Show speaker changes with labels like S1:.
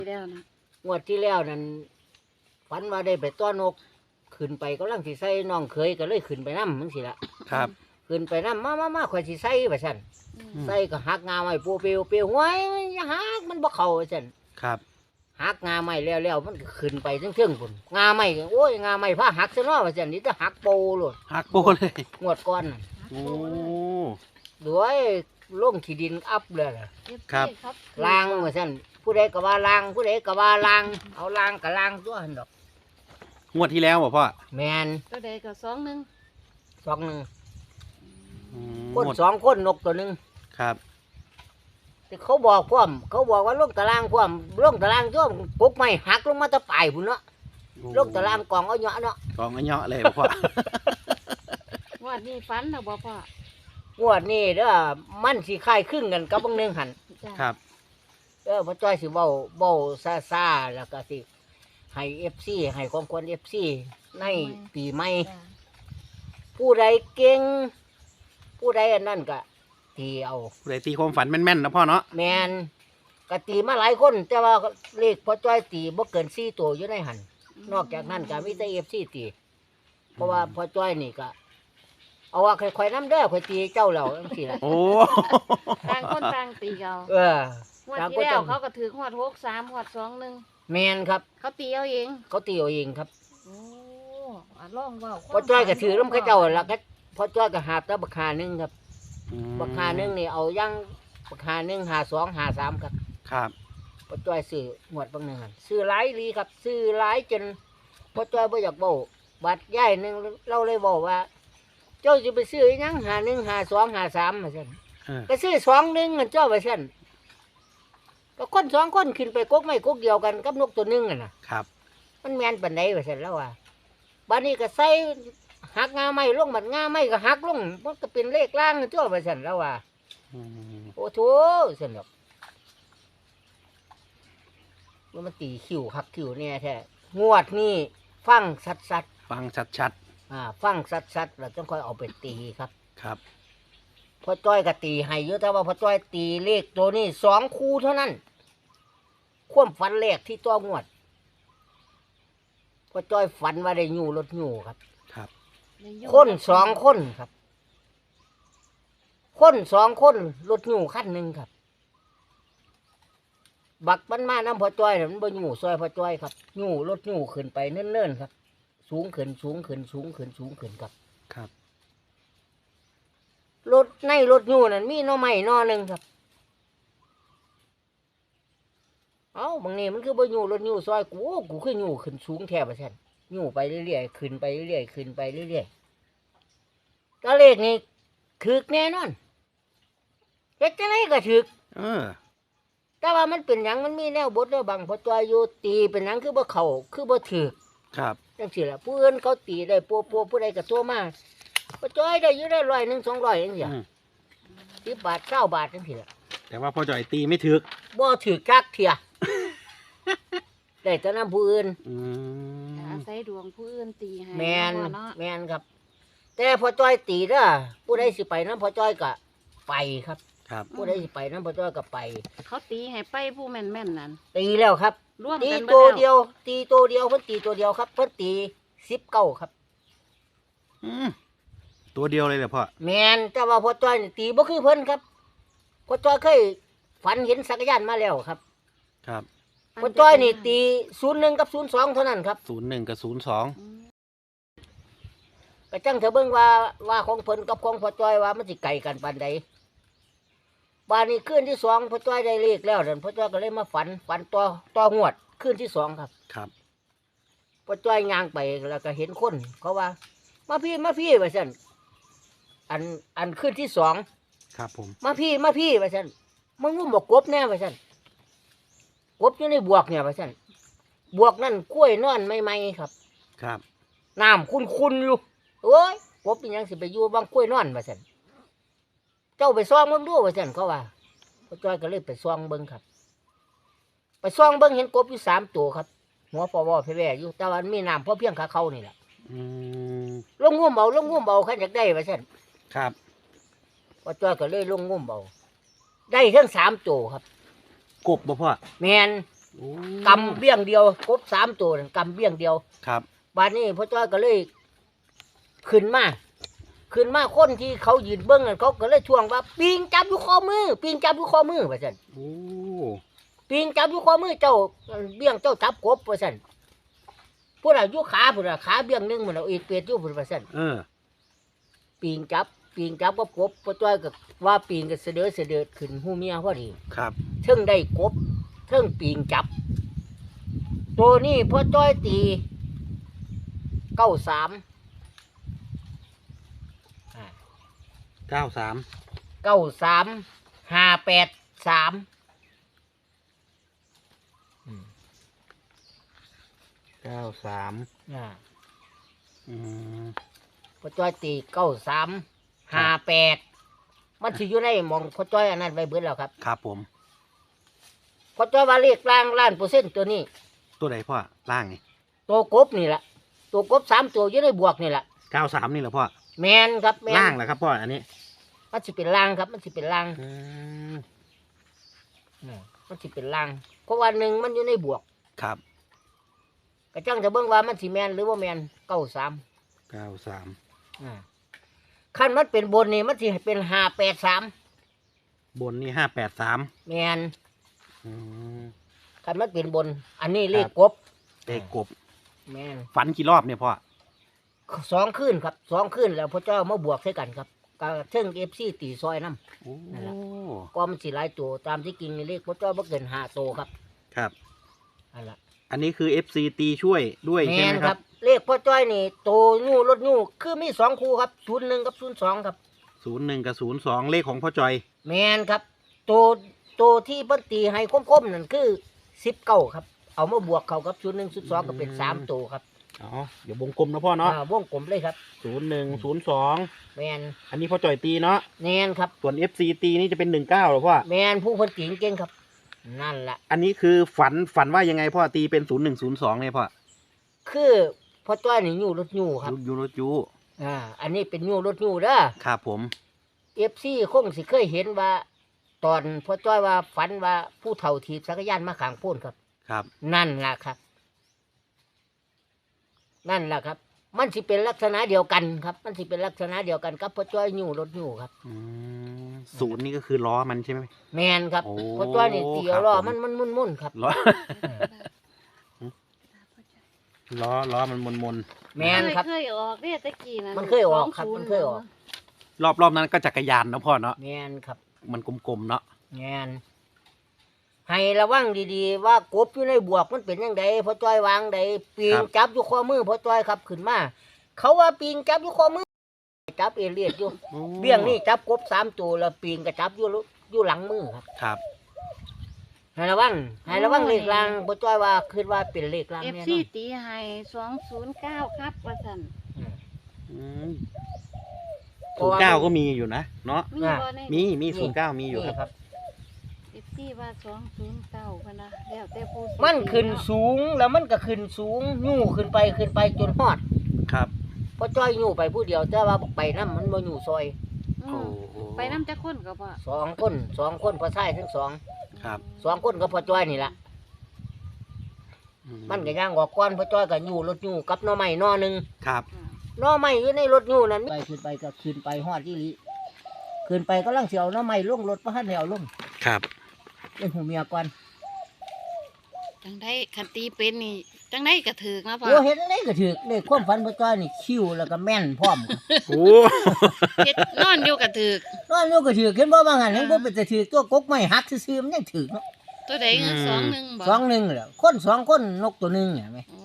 S1: แล้วนะ
S2: งวดที่แล้วนั่นฝันว่าได้ไปต้อนนกขึ้นไปกำลังสิใส่น้องเคยก็เลยขึ้นไปน้ำมึงสิละ
S3: ครับ
S2: ขึ้นไปน้ำมาข่อยสิใส่ไปสั่นใส่ก็หักงาไม้ปูเปียวเปียวห้วยอย่าหักมันบ่เข้าไปสั่น
S3: ครับ
S2: หักงาไม้แล้วมันก็ขึ้นไปเชิงๆพุ่นงาไม้โอ้ยงาไม้ผ้าหักซะเนาะไปสั่นนี่จะหักโปโลด
S3: หักโปเลย
S2: งวดก่อนน่ะ
S3: โอ้
S2: ด้วยลงขี้ดินอัพเลยล่ะ
S3: ครับ
S2: ล้างว่าสั่นผู้ใดก็ว่าล้างผู้ใดก็ว่าล้างเอาล้างก็ล้างตัวหั่นดอก
S3: งวดที่แล้วบ่พ่อ
S2: แมน
S1: ก็ได้ก็2-1
S2: สองหนึ่ง
S3: อืม
S2: คน
S3: งวด
S2: สองคนนกตัวหนึ่ง
S3: ครับ
S2: แต่เขาบอกพร้อมเขาบอกว่าลงตารางพร้อมลงตารางตัวกกไม้หักลงมาตะปลายพุ่นเนาะลงตารางกองเอาเนาะเนาะ
S3: กองอันเนาะเลยบ่พ่อ
S1: ว่านี่ฝันนะบ่พ่อง
S2: วดนี้เด้อมันสิคล้ายคลึงกันกับบางหนึงหัน
S1: จ้ะ
S3: ครับ
S2: พ่อจ้อยสิเว้าซ่าๆแล้วก็สิให้ FC ให้ของควร FC ในปีใหม่
S1: จ้ะ
S2: ผู้ใดเก่งผู้ใดอันนั้นก็ตีเอา
S3: ผู้ใดตีความฝันแม่นๆนะพ่อเนาะ
S2: แมนก็ตีมาหลายคนแต่ว่าเลขพ่อจ้อยตีบ่เกิน4ตัวอยู่ในหันนอกจากนั้นก็มีแต่ FC ตีเพราะว่าพ่อจ้อยนี่ก็เอาว่าค่อยๆนำเด้อค่อยตีเจ้าแล้วจังซี่ล่ะ
S3: โอ้
S1: ต่างคนต่างตีเอา
S2: เออง
S1: วด
S2: ต่างค
S1: ที่
S2: น
S1: แล้
S2: ต่าว ง
S1: เขาก็ถือฮอด63ฮอด21
S2: แมนครับ
S1: เขาตีเอาเอง
S2: เขาตีเอาเองครับ
S1: โอ้ลองเว้า
S2: พ่อจ้อยก็ถือน้ำเขาเจ้าแล้วก็พ่อจ้อยก็หาบแต่บักหาหนึงครับ
S3: อืม
S2: บักหาหนึงนี่เอายังบักหาหนึง52 53ครับ
S3: ครับ
S2: พ่อจ้อยซื้อหมวดบางหนึงหั่นซื้อหลายลีครับซื้อหลายจนพ่อจ้อยบ่อยากเว้าบัดย้ายหนึงเราเลยบอกว่า เจ้าสิไปซื้ออีหยัง51 52 53ว่าซั่น
S3: เออ
S2: ก็ซื้อ21นั่นเจ้าว่าซั่นก็คนสองคนขึ้นไปกกไม้กกเดียวกันกับนกตัวหนึงน่ะนะครับ มันแม่นปานใดว่าซั่นแล้วว่าบัดนี้ก็ใส่หักงาไม้ลงบัดงาไม้ก็หักลงมันก็เป็นเลขล่างนั่นเจ้าว่าซั่นแล้วว่า
S3: อืม
S2: โอ้โถซั่นดอกมันตีคิวคักคิวเนี่ยแท้งวดนี้ฟังสัด
S3: ฟังชัด
S2: ฟังสัดแล้วจังค่อยเอาไปตีครับ
S3: ๆครับ
S2: พ่อจ้อยก็ตีให้เยอะแต่ว่าพ่อจ้อยตีเลขตัวนี้2คู่เท่านั้นความฝันแรกที่ตัวงวดพ่อจ้อยฝันว่าได้อยู่รถอยู่ครับ
S3: ครับ
S2: คน2คนครับ คน2คนรถอยู่คันหนึ่งครับ บักมันมาน้ำพ่อจ้อยน่ะมันบ่อยู่ซอยพ่อจ้อยครับอยู่รถอยู่ขึ้นไปเนิ่นๆครับ สูงขึ้นครับ
S3: ครับ
S2: รถในรถอยู่นั่นมีหน่อไม้หน่อหนึ่งครับ เอาบางนี่มันคือบ่อยู่รถอยู่ซอยกูคืออยู่ขึ้นสูงแทบว่าซั่นอยู่ไปเรื่อยๆขึ้นไปเรื่อยๆขึ้นไปเรื่อยๆก็เลขนี้ถึกแน่นอนเฮ็ดจังไดก็ถึก
S3: เออ
S2: แต่ว่ามันเป็นหยังมันมีแนวบทแนวบังพอจอยอยู่ตีเป็นหยังคือบ่เข้าคือบ่ถึก
S3: ครับ
S2: จังซี่ล่ะผู้อื่นเขาตีได้ปัวผู้ใดก็โทรมาพอจอยได้อยู่ได้100 100 200จังซี่
S3: อืม
S2: 10 บาท20 บาทจังซี่ล่ะ
S3: แต่ว่าพ่อจ่อยตีไม่ถึก
S2: บ่ถึกจักเที่ย ได้แต่นำผู้อื่น
S3: อืม
S1: อาศัยดวงผู้อื่นตีให้
S2: แม่น
S1: เนาะ
S2: แม่นครับ แต่พอจอยตีเด้อผู้ใดสิไปนำพอจอยก็ไปครับ
S3: ครับ
S2: ผู้ใดสิไปนำพอจอยก็ไป
S1: เขาตีให้ไปผู้แม่นๆนั่น
S2: ตีแล้วครับ
S1: ร่วม
S2: ตี
S1: กัน
S2: ตัว
S1: บิแล้
S2: เดียว ตีตัวเดียวเพิ่นตีตัวเดียวครับเพิ่นตี19ครับ
S3: อืมตัวเดียวเลยเหรอพ่อ
S2: แมนแต่ว่าพ่อจ้อยนี่ตีบ่คือเพิ่นครับพ่อจ้อยเคยฝันเห็นสักรยานมาแล้วครับ
S3: ครับ
S2: พ่อจ้อยนี่ตี01กับ02เท่านั้นครับ
S3: 01กับ02
S1: อืม
S2: ก็จังเถอะเบิ่งว่าของเพิ่นกับของพ่อจ้อยว่ามันสิไกลกันปานใดบานนี้คืนที่2พ่อจ้อยได้เลขแล้วนั่นพ่อจ้อยก็เลยมาฝันต่องวดคืนที่2ครับ
S3: ครับ
S2: พ่อจ้อยย่างไปแล้วก็เห็นคนเขาว่า มาพี่ว่าซั่นอันคืนที่2
S3: ครับผม
S2: มาพี่ว่าซั่นมึงงุ่มบอกกบแน่ว่าซั่นกบอยู่ในบวกเนี่ยว่าซั่นบวกนั่นกล้วยนอนใหม่ๆครับ
S3: ครับ
S2: น้ำคุณอยู่โอ้ยกบเป็นหยังสิไปอยู่บางกล้วยนอนว่าซั่นเจ้าไปซ่องเบิ่งดูว่าซั่นเขาว่าพ่อจ้อยก็เลยไปซ่องเบิ่งครับ ไปซ่องเบิ่งเห็นกบอยู่3ตัวครับ หัวฟอวอแผ่ๆอยู่แต่ว่ามันมีน้ำพอเพียงขาเขานี่แหละ
S3: อืม
S2: ลงงุ่มเบาคันอยากได้ว่าซั่น
S3: ครับ
S2: พ่อจ้อยก็เลยลงงุ่มเบาได้ทั้ง3ตัวครับ
S3: กบบ่พ่อ
S2: แม่น
S3: โอ้
S2: กำเบี้ยงเดียวกบ3ตัวนั่นกำเบี้ยงเดียว
S3: ครับ
S2: บัดนี้พ่อจ้อยก็เลยขึ้นมาคนที่เขายืนเบิ้งนั่นเขาก็เลยทวงว่าปิงจับอยู่ข้อมือปิงจับอยู่ข้อมือว่าซั่น
S3: โอ้
S2: ปิงจับอยู่ข้อมือเจ้าเบี้ยงเจ้าจับกบว่าซั่นผู้น่ะอยู่ขาผู้น่ะขาเบี้ยงหนึงมันเอาอีกเปียดอยู่พุ่นว่าซั่น
S3: เออ
S2: ปิงจับกับกบพ่อจ้อยก็ว่าปิงก็เสด็จขึ้นหูเมียพอดี
S3: ครับ
S2: เทิงได้กบเทิงปิงจับ ตัวนี้พ่อจ้อยตี93
S3: 93
S2: 583
S3: 93อืม
S2: พ่อจ้อยตี9358มันสิอยู่ในหมองพ่อจ้อยอันนั้นไว้เบิดแล้วครับ
S3: ครับผม
S2: พ่อจ้อยว่าเลขล่าง1,000%ตัวนี้
S3: ตัวไหนพ่อล่างนี่
S2: ตัวกบนี่แหละตัวกบ3ตัวอยู่ในบวกนี่แหละ
S3: 93นี่เหรอพ่อ
S2: แมนครับแมน
S3: ล่างเหรอครับพ่ออันนี้
S2: มันสิเป็นล่างครับมันสิเป็นล่าง
S3: อืม
S2: มันสิเป็นล่างเพราะว่าหนึ่งมันอยู่ในบวก
S3: ครับ
S2: กระจังจะเบิ่งว่ามันสิแมนหรือว่าแมน93 ขั้นมันเป็นบนนี่มันสิเป็น583
S3: บนนี่583
S2: แมน
S3: อืม
S2: ขั้นมันเป็นบน อันนี้เลขกบ
S3: เด็กกบ
S2: แมน
S3: ฝันกี่รอบเนี่ยพ่อ
S2: 2คืนครับ2คืนแล้วพระเจ้ามาบวกใส่กันครับก็เทิง FC ตีซอยน้
S3: โอ้
S2: นั่นล่ะ ำก็มันสิหลายตัวตามที่กินนี่เลขพระเจ้าบ่เกิน5ตัวครับ
S3: ครับ
S2: นั่นล่ะ
S3: อันนี้คือ FC ตีช่วยด้วย
S2: แม
S3: ใช่ไห
S2: น
S3: ม
S2: ค
S3: ค
S2: รั
S3: รั
S2: บบ เลขพ่อจ้อยนี่โตงูรถงูคือมี2คู่ครับ01กับ02ครับ
S3: 01กับ02เลขของพ่อจอย
S2: แมนครับตัวที่เพิ่นตีให้คมๆนั่นคือ19ครับเอามาบวกเข้ากับ01 02ก็เป็น3ตัวครับ
S3: อ๋อเดี๋ยววงกลมนะพ่อเนาะ
S2: วงกลมเลยครับ
S3: 01 02
S2: แมน
S3: อันนี้พ่อจอยตีเนาะ
S2: แมนครับ
S3: ส่วน FC ตีนี่จะเป็น19เหรอพ่อ
S2: แมนผู้เพิ่นตีเก่งครับนั่นล่ะ
S3: อันนี้คือฝันว่ายังไงพ่อตีเป็น0102เนี่ยพ่อ
S2: คือพ่อจ้อยนี่อยู่รถงูครับ
S3: ยูรจู
S2: อันนี้เป็นงูรถงูเด้อ
S3: ครับผม
S2: FC คงสิเคยเห็นว่า ตอนพ่อจ้อยว่าฝันว่าผู้เฒ่าถีบจักรยานมาข้างโพ้นครับ
S3: ครับ
S2: นั่นล่ะครับ นั่นล่ะครับ มันสิเป็นลักษณะเดียวกันครับ มันสิเป็นลักษณะเดียวกันกับพ่อจ้อยอยู่รถอยู่ครับ
S3: อืมศูนย์นี่ก็คือล้อมันใช่ไหม
S2: แมนครับ
S3: โอ้
S2: พ่อจ้อยนี่เตียว
S3: ครับ
S2: ล้อ
S3: ผม
S2: มันมุ่นๆครับ
S3: ล้อ ล้อมันมน
S2: แมนครับ
S1: เคยออกเนี่ยตะกี้นะ
S2: มันเคยออกครับมันเคยออก
S3: รอบนั้นก็จักรยานเนาะพ่อเนาะ
S2: แมนครับ
S3: มันกลมๆเนาะ
S2: แมนให้ระวังดีๆว่ากบอยู่ในบวกมันเป็นยังไงพ่อจ้อยวางใดปีงจับอยู่ข้อมือพ่อจ้อยครับขึ้นมาเขาว่าปีงจับอยู่ข้อมือจับเอเลียดอยู่
S3: โอ้
S2: เบี้ยงนี่จับกบ3ตัวแล้วปีงก็จับอยู่หลังมือครับ
S3: ครับ
S2: ให้ระวังเลขลางพ่อจ้อยว่าคิดว่าเป็นเลขลาง
S1: เอฟ
S2: แน่น
S1: ซี
S2: อน
S1: ตีให้209ครับว่าซั่น
S3: อืม09ก็มีอยู่นะเนาะ
S1: มีบ่ใน
S3: มี09มีอยู่ครับ
S1: เอฟซีว่า209พุ่นนะแล้วแต่ผู้สิ
S2: มันขึ้นสูงแล้วมันก็ขึ้นสูงยู่ขึ้นไปจนฮอด
S3: ครับ
S2: พ่อจ้อยยู่ไปผู้เดียวแต่ว่าไปน้ำมันบ่อยู่ซอย
S1: อื
S3: โอ้
S1: ม
S3: โห
S1: ไปนำจักคนก็บ่
S2: 2 คนพ่อชายทั้งสอง
S3: ครับ
S2: 2 คนก็พ่อจ้อยนี่ล่ะ มันก็ย่างออกก้อนพ่อจ้อยก็อยู่รถอยู่กับหน่อไม้หน่อหนึง
S3: ครับ
S2: หน่อไม้อยู่ในรถอยู่นั่นขึ้นไปก็ขึ้นไปฮอดอีหลีขึ้นไปก็ลังสิเอาหน่อไม้ลงรถบ่ทันได้เอาลง
S3: ครับ
S2: เล่นหูเมียก่อน
S1: จังได้คันตีเป็นนี่จังได้ก็ถูกนะพ่อ
S2: โอ้เฮ็ดจังไดก็ถูกเลขความฝันพ่อจ้อยนี่คิวแล้วก็แม่นพร้อม
S3: โอ้
S1: เฮ็ดนอนอยู่ก็ถูก
S2: นอนอยู่ก็ถูกเห็นบ่บางหันยังบ่เป็นแต่ถูกตัวกกไม้หักซื่อๆมันยังถูกเนาะ
S1: ตัวใดเงิน21บ่
S2: 2-1แหละคน2คนนกตัวหนึงเห็นไหม
S1: โอ้